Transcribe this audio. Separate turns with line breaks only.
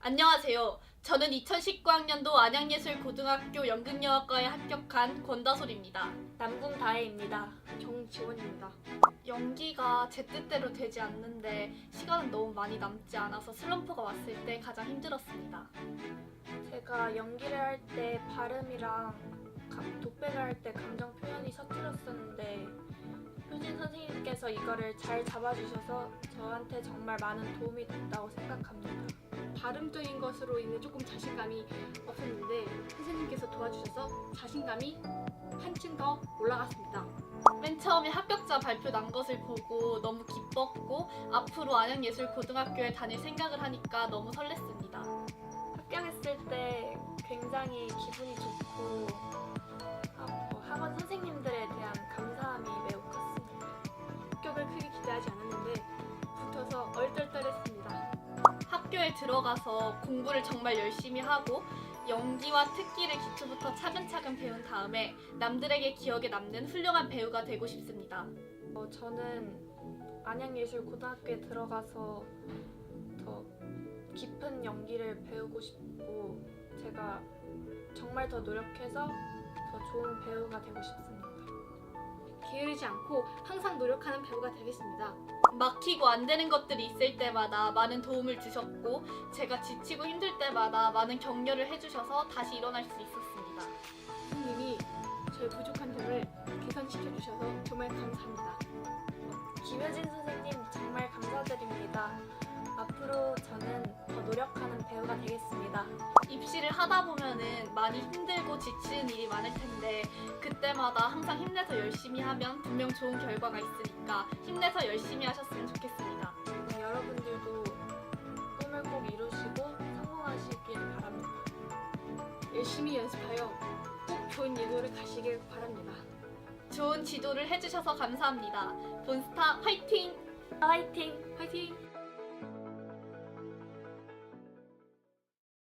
안녕하세요. 저는 2019학년도 안양예술고등학교 연극영화과에 합격한 권다솔입니다.
남궁다혜입니다. 정지원입니다.
연기가 제 뜻대로 되지 않는데 시간은 너무 많이 남지 않아서 슬럼프가 왔을 때 가장 힘들었습니다.
제가 연기를 할 때 발음이랑 독백을 할 때 감정 표현이 서툴었었는데 효진 선생님께서 이거를 잘 잡아주셔서 저한테 정말 많은 도움이 됐다고 생각합니다.
발음적인 것으로 인해 조금 자신감이 없었는데 선생님께서 도와주셔서 자신감이 한층 더 올라갔습니다.
맨 처음에 합격자 발표 난 것을 보고 너무 기뻤고 앞으로 안양예술고등학교에 다닐 생각을 하니까 너무 설렜습니다.
합격했을 때 굉장히 기분이 좋고 학원 선생님들에 대한 감사함이 매우 컸습니다.
합격을 크게 기대하지 않았는데 붙어서 얼떨떨했습니다.
학교에 들어가서 공부를 정말 열심히 하고 연기와 특기를 기초부터 차근차근 배운 다음에 남들에게 기억에 남는 훌륭한 배우가 되고 싶습니다.
저는 안양예술고등학교에 들어가서 더 깊은 연기를 배우고 싶고 제가 정말 더 노력해서 더 좋은 배우가 되고 싶습니다.
게으르지 않고 항상 노력하는 배우가 되겠습니다.
막히고 안 되는 것들이 있을 때마다 많은 도움을 주셨고 제가 지치고 힘들 때마다 많은 격려를 해주셔서 다시 일어날 수 있었습니다.
선생님이 저의 부족한 점을 개선시켜 주셔서 정말 감사합니다.
김효진 선생님 정말 감사드립니다. 앞으로 저는 더 노력하는 배우가 되겠습니다.
입시를 하다 보면은 많이 힘들고 지치는 일이 많을 텐데 그때마다 항상 힘내서 열심히 하면 분명 좋은 결과가 있으니까 힘내서 열심히 하셨으면 좋겠습니다.
여러분들도 꿈을 꼭 이루시고 성공하시길 바랍니다.
열심히 연습하여 꼭 좋은 예고를 가시길 바랍니다.
좋은 지도를 해주셔서 감사합니다. 본스타 화이팅!
화이팅!
화이팅!